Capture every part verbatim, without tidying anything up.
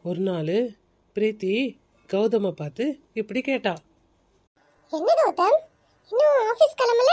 ஒரு நாள் பிரீத்தி கௌதமை பார்த்து இப்படி கேட்டா. என்ன கௌதம், இன்னும் ஆபீஸ் கிளம்பல?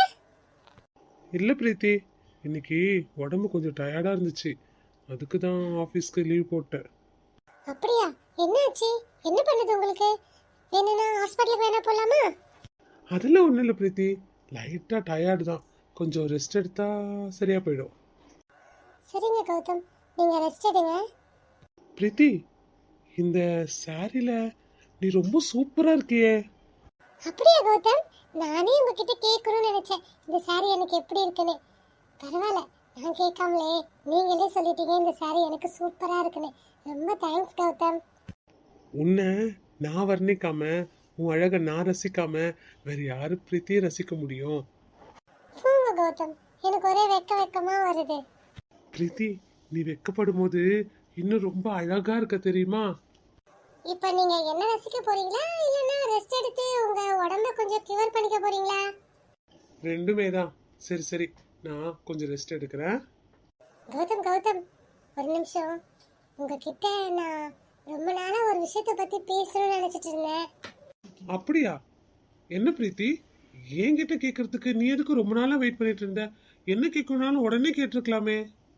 இல்லை பிரீத்தி, இன்னைக்கு உடம்பு கொஞ்சம் டயர்டாக இருந்துச்சு, அதுக்கு தான் ஆஃபீஸ்க்கு லீவ் போட்டேன். அப்படியா? என்னாச்சு? என்ன பண்ணுது உங்களுக்கு? வேணும்னா ஹாஸ்பிட்டலுக்கு வேணா போலாமா? அதெல்லாம் ஒன்றும் இல்லை பிரீத்தி, லைட்டாக டயர்டு தான், கொஞ்சம் ரெஸ்ட் எடுத்தா சரியா போயிடும். சரிங்க கௌதம், நீங்க ரெஸ்ட் எடுங்க. பிரீத்தி, இந்த சாரியில் நீ ரொம்ப சூப்பராக இருக்கியே. அப்படியா கௌதம், நானே உங்ககிட்ட கேட்கணும்னு நினைச்சேன் இந்த சாரி எனக்கு எப்படி இருக்குன்னு. பரவாயில்ல, நான் கேட்காமலே நீங்களே சொல்லிட்டீங்க இந்த சாரி எனக்கு சூப்பரா இருக்குன்னு. ரொம்ப தேங்க்ஸ் கௌதம். உன்னை நான் வர்ணிக்காம, உன் அழகை நான் ரசிக்காம வேற யாரு பிரீத்தியை ரசிக்க முடியும்? போங்க கௌதம், எனக்கு ஒரே வெக்க வெக்கமா வருது. பிரீத்தி, நீ வெக்கப்படும் போது இன்னும் ரொம்ப அழகா இருக்க தெரியுமா? இப்போ நீங்க என்ன ரசிக்க போறீங்களா இல்லனா ரெஸ்ட் எடுத்து உங்க உடம்ப கொஞ்சம் கியூர் பண்ணிக்க போறீங்களா? ரெண்டுமே தான். சரி சரி, நான் கொஞ்சம் ரெஸ்ட் எடுக்கிறேன். கௌதம் கௌதம், ஒரு நிமிஷம். உங்ககிட்ட நான் ரொம்ப நாளா ஒரு விஷயத்தை பத்தி பேசணும்னு நினைச்சிட்டு இருந்தேன். அப்படியா? என்ன பிரீத்தி, என்கிட்ட கேட்கறதுக்கு நீ எதுக்கு ரொம்ப நாளா வெயிட் பண்ணிட்டு இருந்த? என்ன கேட்கணும்னாலும் உடனே கேட்டிருக்கலாமே.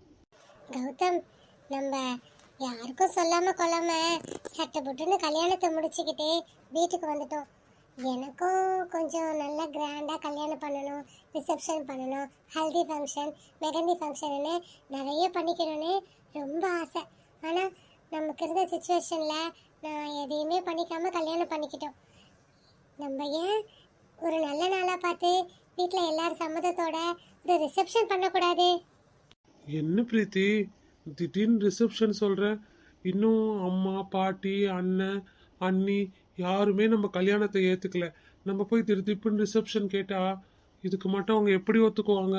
கௌதம், நம்ம யாருக்கும் சொல்லாம கொள்ளாம சட்டை போட்டுன்னு கல்யாணத்தை முடிச்சுக்கிட்டு வீட்டுக்கு வந்துட்டோம். எனக்கும் கொஞ்சம் நல்லா கிராண்டா கல்யாணம் பண்ணணும், ரிசப்ஷன் பண்ணணும், ஹல்தி ஃபங்க்ஷன், மெகந்தி ஃபங்க்ஷன்னு நிறைய பண்ணிக்கணும்னு ரொம்ப ஆசை. ஆனால் நமக்கு இருந்த சுச்சுவேஷனில் நான் எதையுமே பண்ணிக்காம கல்யாணம் பண்ணிக்கிட்டோம். நம்ம ஏன் ஒரு நல்ல நாளாக பார்த்து வீட்டில் எல்லாரும் சம்மதத்தோட ஒரு ரிசப்ஷன் பண்ணக்கூடாது? என்ன பிரீத்தி, திடீர்னு ரிசப்ஷன் சொல்ற? இன்னும் அம்மா, பாட்டி, அண்ணன், அண்ணி யாருமே நம்ம கல்யாணத்தை ஏத்துக்கல. நம்ம போய் திருத்திப்புன்னு ரிசப்ஷன் கேட்டா இதுக்கு மட்டும் அவங்க எப்படி ஒத்துக்குவாங்க?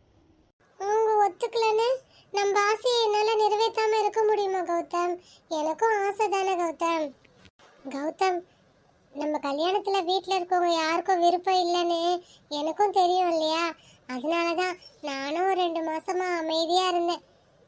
அவங்க ஒத்துக்கலன்னு நம்ம ஆசையை என்னால் நிறைவேற்றாம இருக்க முடியுமா கௌதம்? எனக்கும் ஆசை தானே கௌதம். கௌதம், நம்ம கல்யாணத்துல வீட்டில் இருக்கவங்க யாருக்கும் விருப்பம் இல்லைன்னு எனக்கும் தெரியும் இல்லையா? அதனால தான் நானும் ரெண்டு மாசமா அமைதியா இருந்தேன்.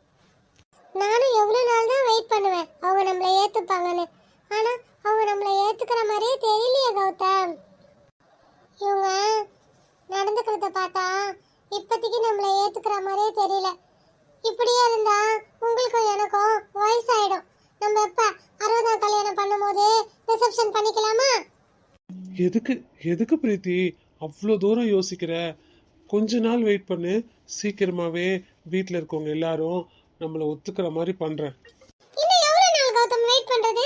நானும் எவ்வளோ நாள் தான் வெயிட் பண்ணுவேன் அவங்க நம்மளை ஏற்றுப்பாங்கன்னு. ஆனால் அவங்க நம்மளை ஏற்றுக்கிற மாதிரியே தெரியலையே கௌதம். இவங்க நடந்துக்கிறத பார்த்தா இப்போதைக்கு நம்மளை ஏற்றுக்கிற மாதிரியே தெரியல. இப்படியே இருந்தா உங்களுக்கும் எனக்கும் வயசாயிடும். நம்ம எப்போ அறுபதாம் கல்யாணம் பண்ணும்போது ரிசப்ஷன் பண்ணிக்கலாமா? எதுக்கு எதுக்கு பிரீத்தி அவ்வளோ தூரம் யோசிக்கிற? கொஞ்ச நாள் வெயிட் பண்ணு, சீக்கிரமாவே வீட்டில் இருக்கவங்க எல்லாரும் நம்மளை ஒத்துக்கிற மாதிரி பண்றேன். இன்னும் எவ்வளவு நாள் கௌதம் வெயிட் பண்றது?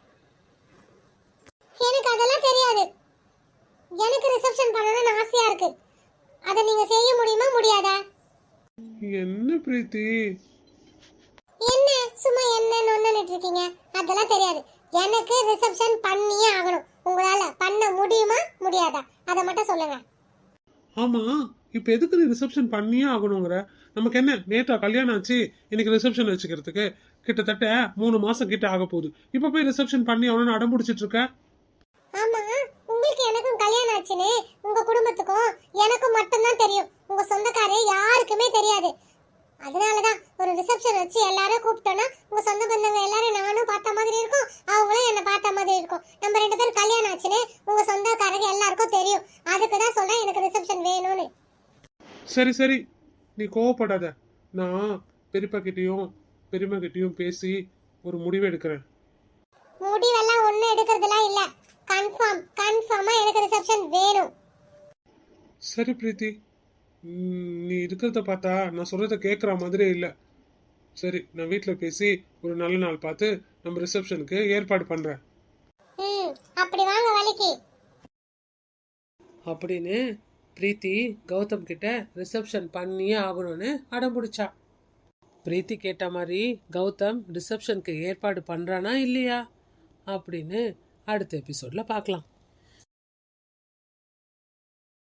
எனக்கு அதெல்லாம் தெரியாது. எனக்கு ரிசப்ஷன் பண்ணணும்னு ஆசையா இருக்கு. அதை நீங்க செய்ய முடியுமா முடியாதா? என்ன பிரீத்தி, என்ன சும்மா என்ன ஒண்ணுன்னு இருக்கீங்க? அதெல்லாம் தெரியாது. எனக்கு ரிசப்ஷன் பண்ணியே ஆகணும். உங்களால பண்ண முடியுமா முடியாதா அதை மட்டும் சொல்லுங்க. ஆமா, இப்ப எதுக்கு நீ ரிசப்ஷன் பண்ணியே ஆகணுங்கிற? நமக்கு என்ன நேற்றா கல்யாணம் ஆச்சு, இன்னைக்கு ரிசப்ஷன் வச்சுக்கிறதுக்கு கிட்டத்தட்ட மூணு மாசம் கிட்ட ஆக போகுது. இப்ப போய் ரிசப்ஷன் பண்ணி அவனு அடம் பிடிச்சிட்டு இருக்க? ஆமா, உங்களுக்கு எனக்கும் கல்யாணம் ஆச்சுன்னு உங்க குடும்பத்துக்கும் எனக்கும் மட்டும்தான் தெரியும். உங்க சொந்தக்காரே யாருக்குமே தெரியாது. அதனாலதான் ஒரு ரிசப்ஷன் வச்சு எல்லாரும் கூப்பிட்டோம்னா உங்க சொந்த பந்தங்க எல்லாரும் நானும் பார்த்த மாதிரி இருக்கும், அவங்களும் என்ன பார்த்த மாதிரி இருக்கும். நம்ம ரெண்டு பேரும் கல்யாணம் ஆச்சுன்னு உங்க சொந்தக்காரங்க எல்லாருக்கும் தெரியும். அதுக்குதான் சொல்றேன் எனக்கு ரிசப்ஷன் வேணும்னு. சரி சரி, நீ கோவப்படாத. நான் பெரியப்பா கிட்டயும் பெரியம்மா கிட்டயும் பேசி ஒரு முடிவு எடுக்கிறேன். முடிவெல்லாம் ஒன்றும் எடுக்கிறதுலாம் இல்லை. கன்ஃபார்ம் கன்ஃபார்மா எனக்கு ரிசப்ஷன் வேணும். சரி பிரீத்தி, நீ இருக்கிறத பார்த்தா நான் சொல்றத கேட்குற மாதிரி இல்லை. சரி, நான் வீட்டில் பேசி ஒரு நல்ல நாள் பார்த்து நம்ம ரிசப்ஷனுக்கு ஏற்பாடு பண்றேன். ம், அப்படி வாங்க வலிக்கு. அப்படின்னு பிரீத்தி கௌதம் கிட்ட ரிசப்ஷன் பண்ணியே ஆகணும்னு அடம் பிடிச்சா. பிரீத்தி கேட்ட மாதிரி கௌதம் ரிசப்ஷனுக்கு ஏற்பாடு பண்றானா இல்லையா அப்படின்னு அடுத்த எபிசோட்ல பார்க்கலாம்.